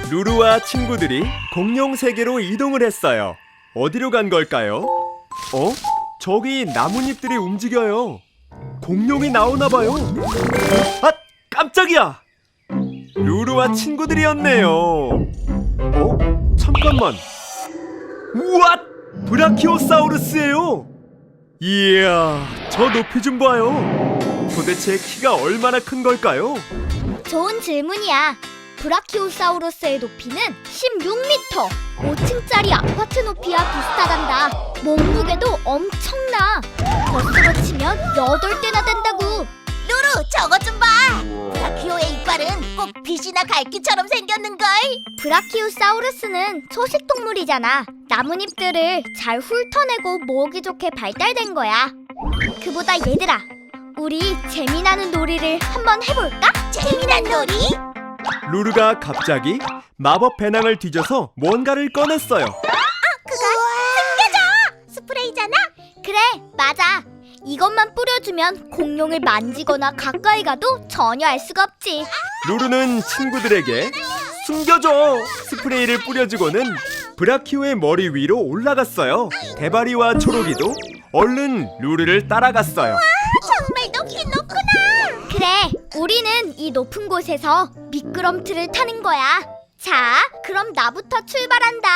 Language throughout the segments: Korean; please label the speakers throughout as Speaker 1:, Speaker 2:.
Speaker 1: 루루와 친구들이 공룡 세계로 이동을 했어요. 어디로 간 걸까요? 저기 나뭇잎들이 움직여요. 공룡이 나오나 봐요. 아, 깜짝이야! 루루와 친구들이었네요. 잠깐만. 우와! 브라키오사우루스예요. 이야, 저 높이 좀 봐요. 도대체 키가 얼마나 큰 걸까요?
Speaker 2: 좋은 질문이야. 브라키오사우루스의 높이는 16m, 5층짜리 아파트 높이와 비슷하단다. 몸무게도 엄청나. 버스로 치면 8대나 된다고.
Speaker 3: 루루, 저것 좀 봐. 브라키오의 이빨은 꼭 빛이나 갈기처럼 생겼는걸.
Speaker 2: 브라키오사우루스는 초식동물이잖아. 나뭇잎들을 잘 훑어내고 모으기 좋게 발달된 거야. 그보다 얘들아, 우리 재미나는 놀이를 한번 해볼까?
Speaker 3: 재미난 놀이?
Speaker 1: 루루가 갑자기 마법 배낭을 뒤져서 뭔가를 꺼냈어요.
Speaker 3: 그거 숨겨줘! 스프레이잖아?
Speaker 2: 그래, 맞아. 이것만 뿌려주면 공룡을 만지거나 가까이 가도 전혀 알 수가 없지.
Speaker 1: 루루는 친구들에게 숨겨줘! 스프레이를 뿌려주고는 브라키오의 머리 위로 올라갔어요. 대바리와 초록이도 얼른 루루를 따라갔어요.
Speaker 3: 정말 높긴 높구나.
Speaker 2: 그래, 우리는 이 높은 곳에서 미끄럼틀을 타는 거야. 자, 그럼 나부터 출발한다.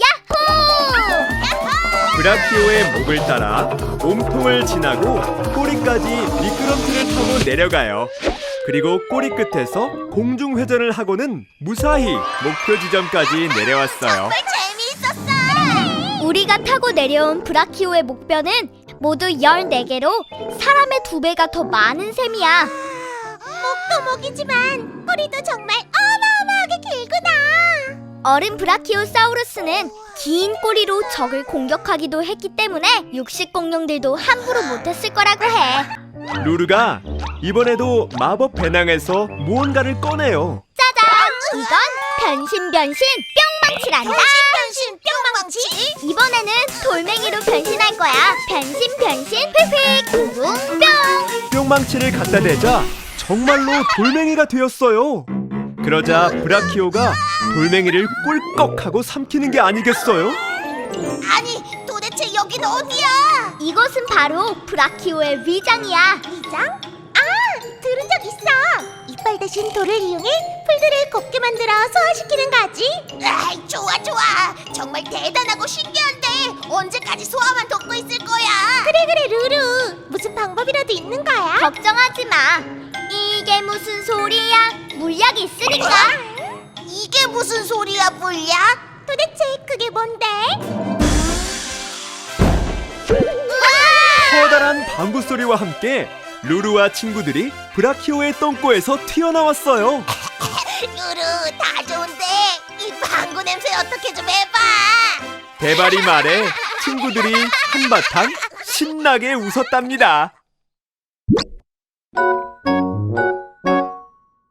Speaker 2: 야호!
Speaker 1: 브라키오의 목을 따라 몸통을 지나고 꼬리까지 미끄럼틀을 타고 내려가요. 그리고 꼬리 끝에서 공중 회전을 하고는 무사히 목표 지점까지 내려왔어요.
Speaker 3: 정말 재미있었어.
Speaker 2: 우리가 타고 내려온 브라키오의 목뼈는 모두 14개로 사람의 2배가 더 많은 셈이야.
Speaker 3: 목도 목이지만 꼬리도 정말 어마어마하게 길구나.
Speaker 2: 어른 브라키오사우루스는 긴 꼬리로 적을 공격하기도 했기 때문에 육식 공룡들도 함부로 못했을 거라고 해.
Speaker 1: 루루가 이번에도 마법 배낭에서 무언가를 꺼내요.
Speaker 2: 짜잔! 이건 변신 뿅망치란다.
Speaker 3: 변신 뿅망치.
Speaker 2: 이번에는 돌멩이로 변신할 거야. 변신 휙휙 붕붕 뿅.
Speaker 1: 뿅망치를 갖다 대자 정말로 돌멩이가 되었어요. 그러자 브라키오가 돌멩이를 꿀꺽하고 삼키는 게 아니겠어요?
Speaker 3: 아니, 도대체 여긴 어디야?
Speaker 2: 이것은 바로 브라키오의 위장이야.
Speaker 3: 위장? 아, 들은 적 있어. 이빨 대신 돌을 이용해 풀들을 곱게 만들어 소화시키는 거지. 아이, 좋아. 정말 대단하고 신기한데 언제까지 소화만 돕고 있을 거야? 그래, 루루. 무슨 방법이라도 있는 거야?
Speaker 2: 걱정하지 마. 이게 무슨 소리야? 물약이 있으니까.
Speaker 3: 이게 무슨 소리야, 물약? 도대체 그게 뭔데?
Speaker 1: 커다란 방구 소리와 함께 루루와 친구들이 브라키오의 똥꼬에서 튀어나왔어요.
Speaker 3: 루루, 다 좋은데 이 방구 냄새 어떻게 좀 해봐.
Speaker 1: 대바리 말에 친구들이 한바탕 신나게 웃었답니다.